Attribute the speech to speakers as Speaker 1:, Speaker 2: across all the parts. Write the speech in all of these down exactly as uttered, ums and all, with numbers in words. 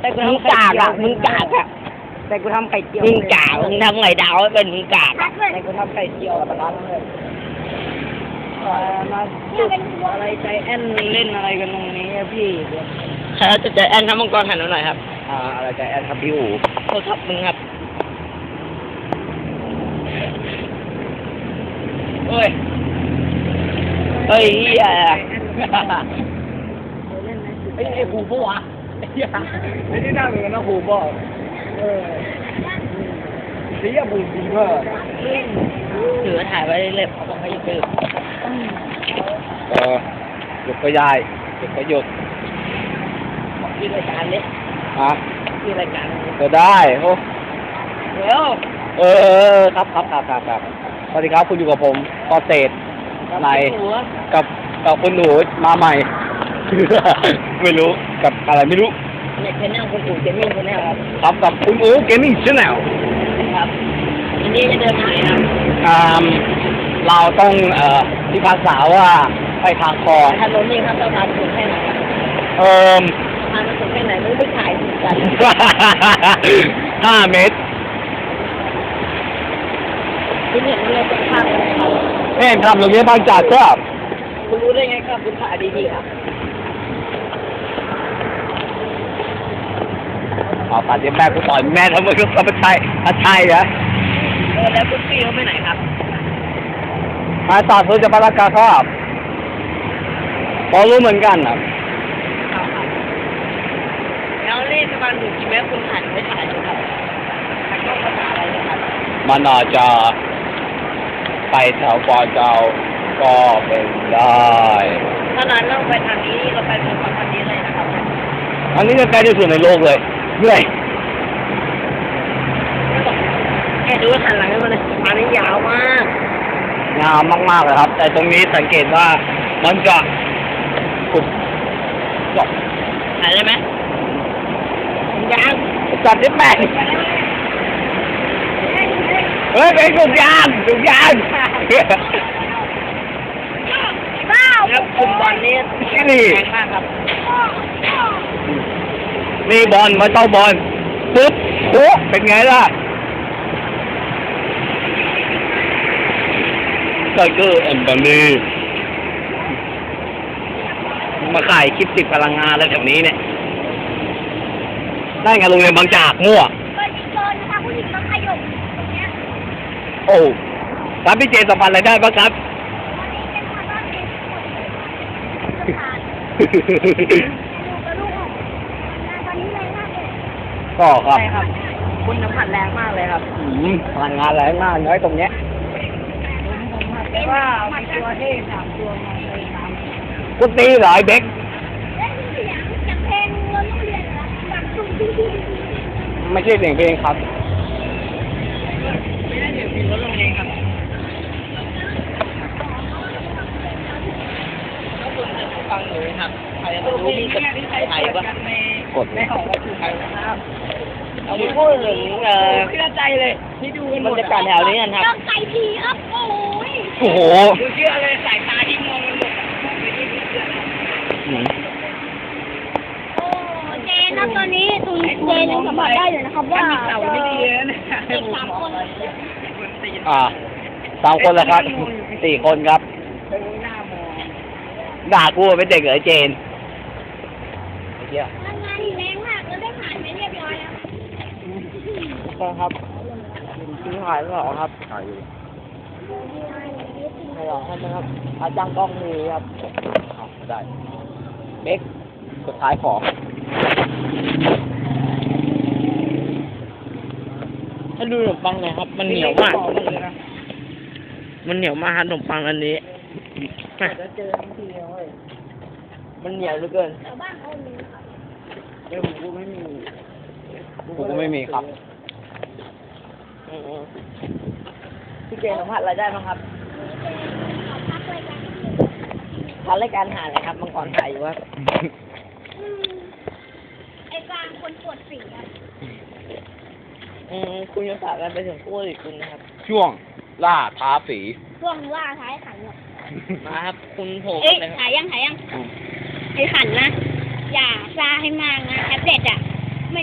Speaker 1: แต่กู
Speaker 2: มึง
Speaker 1: ทำไข่
Speaker 2: กาก
Speaker 1: เจียว
Speaker 2: อ่ะมึงกากอ่ะ
Speaker 1: แต่กูทำไข่เจียว
Speaker 2: มึงกากมึงทำไงดาวให้เป็นมึงกาก
Speaker 3: ชั
Speaker 2: อะ
Speaker 3: ดเลย
Speaker 1: แต่กูทำไข่เจียวกับร้านเลยเอ่อมา
Speaker 3: เนี่ยเป็นวัว
Speaker 1: อะไรใจแอนเล่นอะไรกันตรงนี้อะพี่เดี๋ยว
Speaker 2: ใครจะใจแอนทำมังกรหันหน่อยครับ
Speaker 1: อ่าอะไรใจแอนครับพี่อู๋
Speaker 2: โทรศัพท์มึงครับเฮ้ยเฮ้ยเฮีย
Speaker 1: ไอ้ไอ้ครูปะวะไอ้เหี้ยไอ้ที่นั่งอยู่นะครูปะเออเสียบุญจริงเหรอ
Speaker 2: ถือถ่ายไว้เล็บเขาบอกให้ยืด
Speaker 1: เออหยุดก็ยายหยุดก็หยุด
Speaker 2: ที่รายการนี้
Speaker 1: ฮะ
Speaker 2: ที่รายการ
Speaker 1: ก็ได้โอ้
Speaker 2: เดี๋ยว
Speaker 1: เออครับครับครับครับครับสวัสดีครับคุณอยู่กับผมปอเตดในกับกับคุณหนูมาใหม่ ไม่รู้กับอะไรไม่รู้
Speaker 2: เนี่ยเป็นนั่งคุณปู่เจมี่คนนี้ครับ
Speaker 1: ครับกับคุณอู๋เกมมิ่งชาแนล
Speaker 2: ครับอันนี้จะเดินทางไหนครับ
Speaker 1: อ่าเราต้องเอ่อพิพากษาว่าไปทางคลอง
Speaker 2: ถนนนี้ครับเราทางถึงแค่ไหนครับ
Speaker 1: เอ่อ
Speaker 2: ทางมันถึงแค่ไหนไม่รู้ไปถ่ายถึงกัน
Speaker 1: ห้าเมตร
Speaker 2: คุณเห็นอะไรตรงข้ามไหมครับ
Speaker 1: แม่ทำโรงเรียนบางจากครับ
Speaker 2: คุณรู้ได้ไงครับคุณถ่ายดีๆครับ
Speaker 1: เอาตัดเดี๋ยวแม่กูต่อยแม่ทำไมก็ไม่ใช่ถ้าใช่เหรอ
Speaker 2: เออแล้วคุณพี่เขาไปไหนครับ
Speaker 1: มาตัดเพื่อจะพลักกาครับพอรู้เหมือนกันนะ
Speaker 2: ครับครับแล้วนี่ประมาณหนึ่งกิโลเมตรคุณถ่ายไม่ถ่ายเลยครับถ่ายก็ภาษาอะไรนะครับ
Speaker 1: มันอาจจะไปแถวปอเจ้าก็เป็นได้
Speaker 2: ถ้านั้นเราไปทางนี้เราไปเมืองทางนี้เลยนะครับ
Speaker 1: อันนี้จะใกล้ที่สุดในโลกเลยเหนื่อย
Speaker 2: แค่ดูหันหลังให้มันเลยอันนี้ยาวมาก
Speaker 1: งามมากๆเลยครับ แต่ตรงนี้สังเกตว่ามันจะขุดจบ
Speaker 2: ถ่ายได้ไหมยาง
Speaker 1: จัดได้แปดเฮ้ยเป็นถุงยางถุงยาง
Speaker 3: บ้า
Speaker 2: แล้วคุณบอลนี่แข็งมากครับ
Speaker 1: นี่บอลมาต้องบอลปุ๊บโอ้เป็นไงล่ะไทเกอร์แอนด์บันนี่มาขายคลิปติดพลังงานแล้วแถวนี้เนี่ยได้ไงโรงเรียนบางจากมั่ว
Speaker 3: เปิดอีกโซนนะคะผู้หญิงต้องขยบตรงเนี้ย
Speaker 1: โอ้ครับพี่เจสัมพันธ์อะไรได้บ้างครับ
Speaker 3: วันนี้เป็นความว่าเป็นคนผ่านดูกระดูกออกตอนนี้แรงมากเลย
Speaker 1: ก็ครับ
Speaker 2: ใช่ครับ คุณน้ำผัดแรงมากเลยครับ
Speaker 1: อืมพลังงานแรงมากน้อยตรงเนี้ย
Speaker 2: แต่ว่ามีตัวเท่สามตัวมาเลยสาม
Speaker 1: กูตีเหรอไอ้เด็ก
Speaker 3: เล่นเสียงจากเพลงเงินโรงเรียนเหรอแบบตุ้งตุ้งตุ้ง
Speaker 1: ไม่ใช่เสียงเพลงครับ
Speaker 2: ไม่ได้เดี๋ยวมีรถลงเองครับถ้าคุณจะฟังหนูครับใครจะรู้มีกับใครวะ
Speaker 1: กด
Speaker 2: ไม่ออกว่าคือใครนะครับเอาไปพูดถึงเอ่อเชื่อใจเลยที่ดูบรรยากาศแถวนี้กันครับ
Speaker 3: ต้องใส่ทีครับโอ้ย
Speaker 1: โอ้โห
Speaker 2: ดูเชื่อเลยสายตาที่มองมันหมดมองไปที่นี่เชื่อ
Speaker 1: อืม
Speaker 3: โอ้เจนนะตอนนี้ตุนเจนยังสัมผัสได้อยู่นะครับว่า
Speaker 2: เต่าไม่ดีเลยนะ
Speaker 3: เด็กสามคน
Speaker 1: อ่าสามคนแล้วครับสี่คนครับ
Speaker 2: เป็นหน้ามอง
Speaker 1: ด่ากูว่าเป็นเด็กเหรอไอ้เจนไอ้เหี้ย
Speaker 3: ทำงานแรงมากแล้วได้ผ่านไปเรียบร้อยแล้ว
Speaker 2: ก็ครับซื้อขายไม่ออกครับ
Speaker 1: ถ่ายอยู่
Speaker 2: ไม่ออกครับนะครับอาจังกล้องมีครับ
Speaker 1: เอาได้เบ็กสุดท้ายของ
Speaker 2: ถ้าดูขนมปังหน่อยครับ มันเหนียวมาก มันเหนียวมากครับขนมปังอันนี้มันเหนียวเหลือเกิน
Speaker 3: แต่บ้านเขามีครับ
Speaker 2: เดี๋ยวผมกูไม่มี
Speaker 1: กูก็ไม่มีครับ
Speaker 2: อืมพี่เจสัมผัสอะไรได้บ้างครับ
Speaker 3: ขอพักรายการที่หนึ่ง
Speaker 2: พักรายการหาอะไรครับมังกรไก่อยู่ครับ
Speaker 3: อืมไอ้กลางคนปวดฝีครับ
Speaker 2: อืมคุณจะฝากกันไปถึงคู่อีกคุณนะครับ
Speaker 1: ช่วงล่าท้าฝี
Speaker 3: ช่วงล่าท้ายขันหรอก
Speaker 2: มาครับ คุณโผล่
Speaker 3: เอ้ย
Speaker 2: เลยค
Speaker 3: ถ่า
Speaker 2: รับ
Speaker 3: ยยังถ่ายยังไอ้ขันนะ อย่าซาให้มากนะแท็บเล็ตอ่ะ ไม่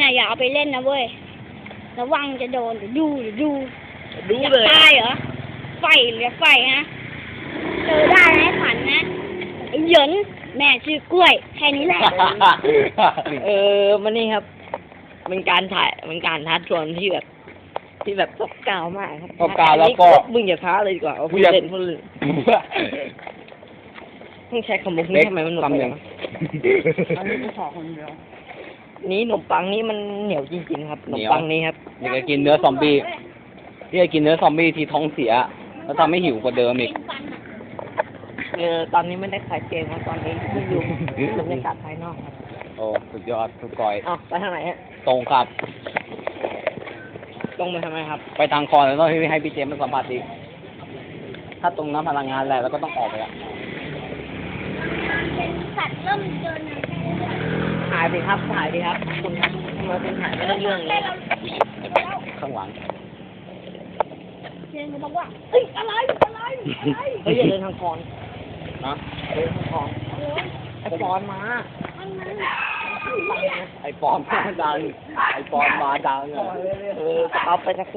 Speaker 3: อย่าเอาไปเล่นนะเว้ยระวังจะโดนเดี๋ยวดูเดี๋ยวดู
Speaker 2: ดู
Speaker 3: อยาก
Speaker 2: เลย
Speaker 3: ตายเหรอไฟเหลือไฟฮะเจอได้นะไอ้ขันนะไอ้เหยินแม่ชื่อกล้วย แค่นี้แหละ
Speaker 2: เออมันนี่ครับเป็นการถ่ายเป็นการท้าทวนที่แบบ ที่แบบตกกาวมากครับ
Speaker 1: ตบกาวแล้วก็
Speaker 2: มึงอย่าท้าเลยดีกว่าเอา
Speaker 1: มึ
Speaker 2: พู
Speaker 1: ง
Speaker 2: ด
Speaker 1: อย่า
Speaker 2: เล่นพูดเล่นมึงใช้คำมุกนี้
Speaker 1: เล็ก
Speaker 2: ทำไมมันหนุก
Speaker 1: คำห
Speaker 2: เล
Speaker 1: นึ่
Speaker 2: ย
Speaker 1: ง
Speaker 2: อันนี้กูขอคนเดียวนี่ขนมปังนี่มันเหนียวจริงๆครับขนมปังนี้ครับ
Speaker 1: อยากจะกินเนื้อซอมบี้ที่จะกินเนื้อซอมบี้ที่ท้องเสีย แล้วทำให้หิวกว่าเดิมอีก
Speaker 2: เออตอนนี้ไม่ได้ขายเกมครับตอนนี้ที่อยู่บรรยากาศภายนอกครับ
Speaker 1: โอ้สุดยอดสุดกอย
Speaker 2: อ้าวไปทางไหนฮะ
Speaker 1: ตรงครับ
Speaker 2: ลงไปทำไมครับ
Speaker 1: ไปทางคอนแล้วต้องให้พี่เจมส์มาสัมผัสอีกถ้าตรงน้ำพลังงานแหละแล้วก็ต้องออกไปละ
Speaker 3: เป็นสัตว์เริ่มเดิน
Speaker 2: ถ่ายดิครับถ่ายดิครับคุณครับทำไมคุณถ่ายไม่ได้เรื่องเลย
Speaker 1: ข้างหลัง
Speaker 3: เจนบอกว่าเฮ้ยอะไรอะไรอะไร
Speaker 2: เฮ้ยอย่าเดินทางคอน
Speaker 1: นะ
Speaker 2: เดินทางคอนไอ้คอนมา
Speaker 3: อันนั้น
Speaker 1: ไอปอนมาดังไอปอนมาดังอะ
Speaker 2: เออเอาไปสัก